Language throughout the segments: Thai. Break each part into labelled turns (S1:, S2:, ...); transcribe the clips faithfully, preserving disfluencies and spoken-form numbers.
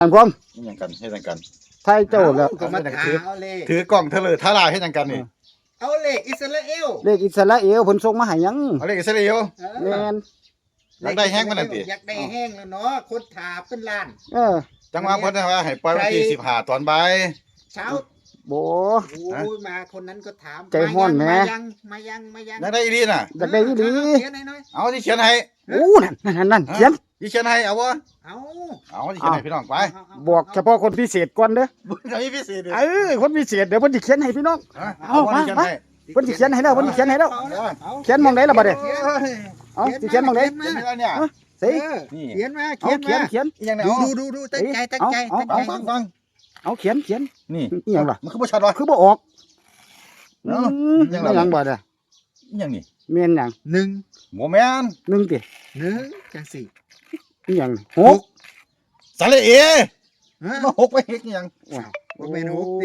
S1: อันพร้อม
S2: นี่ยังกันให้ยังกัน
S1: ไทยเจ้าแล้ว
S3: ก็มาถามเอาเลข
S2: ถือกล่องเทเลอร์ทาราให้ยังกันนี่
S3: เอาเลขอิสราเอล
S1: เลขอิสราเอลเพิ่นส่งมาให้ยัง
S2: เอาเลขอิสราเอล
S1: แม่น
S2: อยากได้แห้งมันนั่นติ
S3: อยากได้แห้งแล้วเนาะคนถามเป็นล้าน
S1: เออ
S2: จังหวะเพิ่นว่าให้ปล่อยวันที่สิบห้าตอนบ่าย
S3: เช้า
S1: โบ
S3: โอ้ยมาคนนั้นก็ถาม
S1: ใจฮ้อนแหม
S3: มายังมายังมายัง
S2: อยากได้อีหลีน่ะ
S1: อยากได้อีหลี
S3: เขียนให้หน่อย
S2: เอาที่เขียนให้
S1: โอ้นั่นนั่นนั่นเขียน
S2: ที่เขียนให้เอาบ่
S3: เอา
S2: เอาที่เขียนให้พี่น้องไป
S1: บอกเฉพาะคนพิเศษก่อนเด้อ
S2: บ่ได้พิเศษ
S1: เออคนพิเศษเดี๋ยวเพิ่นสิเขียนให้พี่น้อง
S2: เอามามา
S1: เพิ่นสิเขียนให้แล้วเพิ่นสิเขียนให้แล้วเขียนมองไหนล่ะบัดนี้เอาสิเขียนมองไหน
S2: เขียนแล้วเนี่ย
S1: สิ
S3: นี่เขียนมา
S1: เขียนเขียนเขียน
S2: ยังไง
S3: ดู
S2: เอา
S3: ดูดูดูตั้งใจตั้งใจตั้งใจ
S2: ฟังฟัง
S1: เอาเขียนเขียน
S2: นี่
S1: อีหยังล่ะ
S2: มันคือบ่ชัดวะ
S1: คือบ่ออก
S2: เนาะ
S1: ยังยังบ่ได้
S2: อีหยังนี่
S1: แม่นหยัง
S3: หนึ่ง
S2: บ่แม่น
S1: หนึ่งติ
S3: หนึ่งจังสี่
S1: อีหยังหก
S2: สาระเอ
S3: ฮะ
S2: มาหกไปเฮ็ดอีหยัง
S3: บ่แม่นหกติ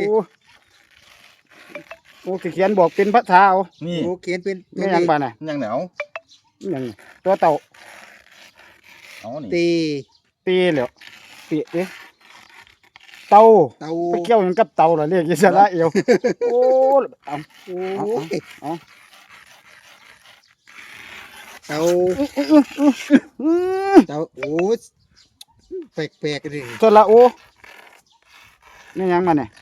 S1: โอ้สิเขียนบอกเป็นภาษาเอา
S2: นี่
S3: โอ้เขียนเป็น
S1: แม่นหยังบ่น่ะ
S2: ยังเหนียว
S1: อีหยังตัวเต่า
S2: เอานี่
S3: ตี
S1: ตีแล้วตีเอ๊ะเต่า
S3: เต่า
S1: ไปเกี่ยวหยังกับเต่าล่ะเรียกอิสราเอลโอ้เอาโอ้เอา
S3: เต่าเต่าโอ้แปลกๆดิ
S1: สระโอนี่หยังมาเนี่ย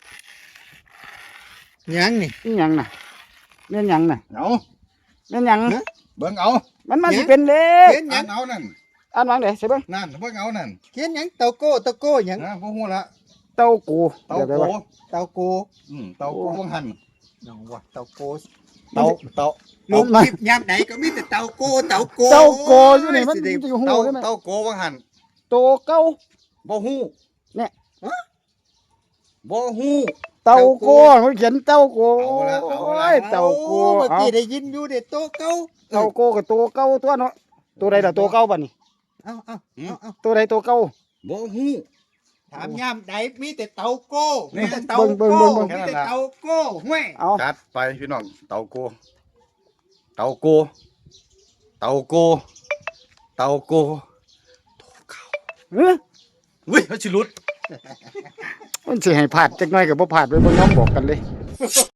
S3: ยังนี่
S1: นี่หยังน่ะนี่หยังน่ะ
S2: เอา
S1: นี่หยัง
S2: เบิ่งเอา
S1: มันมาสิเป็นเลข
S3: เขียนหยัง
S2: เอานั่น
S1: อ่านวางได้ใช่เบิ่ง
S2: นั่นเบิ่งเอานั่น
S3: เขียนหยังเต่าโก้เต่าโก้หยัง
S2: นะบ่ฮู้ละ
S1: เต้ากู
S2: เต่าโก
S3: เต่าโก้
S2: อืมเต่าโกวงหัน
S3: น้องว่าเต่าโก้
S2: เต่าเต่า
S3: ลงคลิปยามไหนก็มีแต่เต่าโก้เต่าโก้
S1: เต้าโกอยู่นี่มันสิฮู้
S2: เต่า
S1: ได้มั้ย
S2: เต่าโกวงหัน
S1: โตเก้า
S2: บ่ฮู้
S1: เนี่ย
S2: บ่ฮู้
S1: เต้าโกเขาเขียนเต้าโก
S2: เอาละเอาละ
S1: โอ้ยเต้าโก
S3: เมื่อ
S1: เอา
S3: กี้ได้ยินอยู่เด็ดโตเก้า
S1: เต้าโกกับโตเก้าตัวเนาะตัวใดล่ะโตเก้าบัดนี้
S3: เอาเอาเอาเอา
S1: ตัวใดโตเก้า
S2: บ่ฮู้
S3: ถามยามไหนมีแต่เต่าโก้
S2: นี่
S3: มีแต่เต่า
S1: เบิ่ง
S3: โก้
S1: เบิ่งเบิ่ง
S3: มีแต่เต่าโก้ห้วย
S1: เอา
S2: จัดไปพี่น้องเต่าโกเต่าโกเต่าโกเต่าโกโตเก่า
S1: เอ้อ
S2: อุ้ยมันสิหลุด
S1: มันสิให้พลาดจักหน่อยก็บ่พลาดไว้บ่ยอมบอกกันเลย